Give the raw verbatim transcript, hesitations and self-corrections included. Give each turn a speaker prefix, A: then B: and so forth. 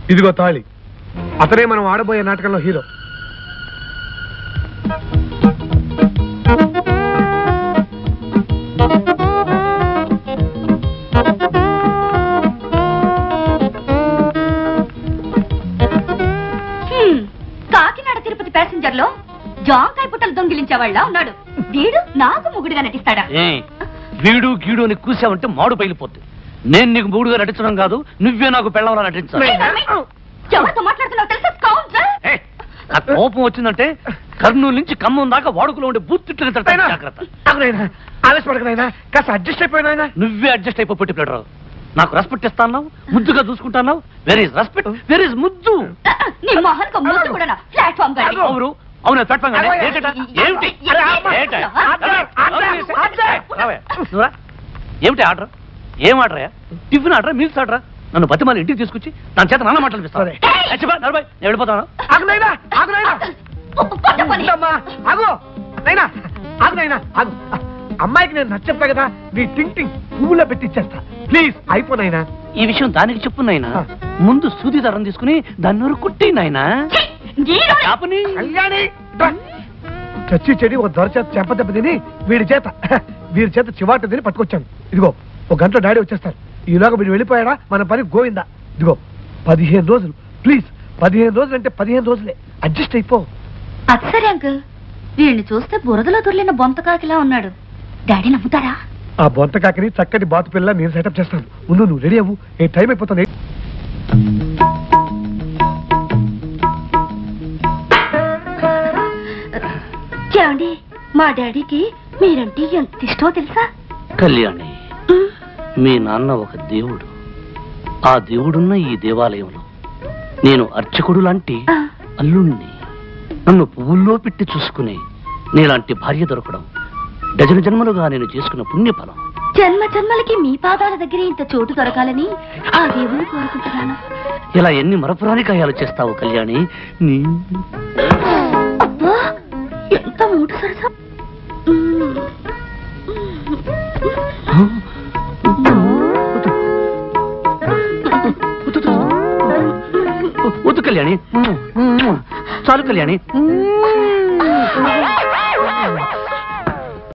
A: ఇదిగో తాళి. అతనే మనం ఆడబోయే నాటకంలో హీరో.
B: కాకినాడ తిరుపతి ప్యాసింజర్ లో జాంకాయ పుట్టలు దొంగిలించేవాళ్ళ ఉన్నాడు. వీడు నాకు మొగుడుగా నటిస్తాడా?
C: వీడు గీడు అని కూసావంటే మాడు పగిలిపోద్ది. నేను నీకు మూడుగా నటించడం కాదు, నువ్వే నాకు పెళ్ళవలా నటించాలి.
B: ఎవరితో మాట్లాడుతున్నావు తెలుసా?
C: ఆ కోపం వచ్చిందంటే కర్నూలు నుంచి ఖమ్మం దాకా వాడుకలో ఉండే బూత్తిట్లు జాగ్రత్త.
A: ఆవేశపడకనైనా కాస్త అడ్జస్ట్ అయిపోయినా.
C: నువ్వే అడ్జస్ట్ అయిపో పెట్టి ప్లేడరావు. నాకు రెస్పెక్ట్ ఇస్తాను, ముద్దుగా చూసుకుంటాను. Where is respect, where is ముద్దు? అవును అవును ప్లాట్ఫామ్ ఏమిటి ఏమిటి ఆర్డర్? ఏం order? Tiffin order, meals order? నన్ను బతిమాలి ఇంటికి తీసుకొచ్చి దాని చేత నాన్న మాటలు పిస్తాను. నలభై నేను వెళ్ళిపోతాను.
A: అమ్మాయికి నేను నచ్చప్పా కదా, నీ టింగ్ టింగ్ పువ్వులో పెట్టిచ్చేస్తా. ప్లీజ్ అయిపోయినా
C: ఈ విషయం దానికి చెప్పు నాయనా. ముందు సూది దారం తీసుకుని దాన్ని నూరు కుట్టి నాయనా.
A: చచ్చి చెడి ఒక దొర చేత చెంప దెబ్బ తిని వీడి చేత వీడి చేత చివాట తిని పట్టుకొచ్చాను. ఇదిగో ఒక గంటలో డాడీ వచ్చేస్తారు. ఈలోగా వీడు వెళ్ళిపోయాడా మన పని గోవిందా. ఇదిగో పదిహేను రోజులు ప్లీజ్. పదిహేను రోజులు అంటే పదిహేను రోజులే, అడ్జస్ట్ అయిపో.
B: సరే అంకుల్, వీడిని చూస్తే బురదలో దొర్లిన బొంతకాకిలా ఉన్నాడు. డాడీ నమ్ముతారా?
A: ఆ బొంతకాకిని చక్కటి బాతు పిల్ల నేను సెటప్ చేస్తాను. ముందు నువ్వు రెడీ అవ్వు, ఏ టైం అయిపోతుంది.
B: ఏమండి, మా డాడీకి మీరంటే ఎంత ఇష్టమో తెలుసా?
C: కళ్యాణి, మీ నాన్న ఒక దేవుడు. ఆ దేవుడున్న ఈ దేవాలయంలో నేను అర్చకుడు లాంటి అల్లుణ్ణి. నన్ను పువ్వుల్లో పెట్టి చూసుకుని నీలాంటి భార్య దొరకడం డజన జన్మలుగా నేను చేసుకున్న పుణ్యఫలం.
B: జన్మ జన్మలకి మీ పాదాల దగ్గర ఇంత చోటు దొరకాలని ఆ దేవుని కోరుకుంటున్నాను.
C: ఇలా ఎన్ని మరపురాని కాయాలు చేస్తావు కళ్యాణి. నీ
B: అబ్బా ఎంత మూడు సరసా.
C: వద్దు కళ్యాణి, చాలు కళ్యాణి.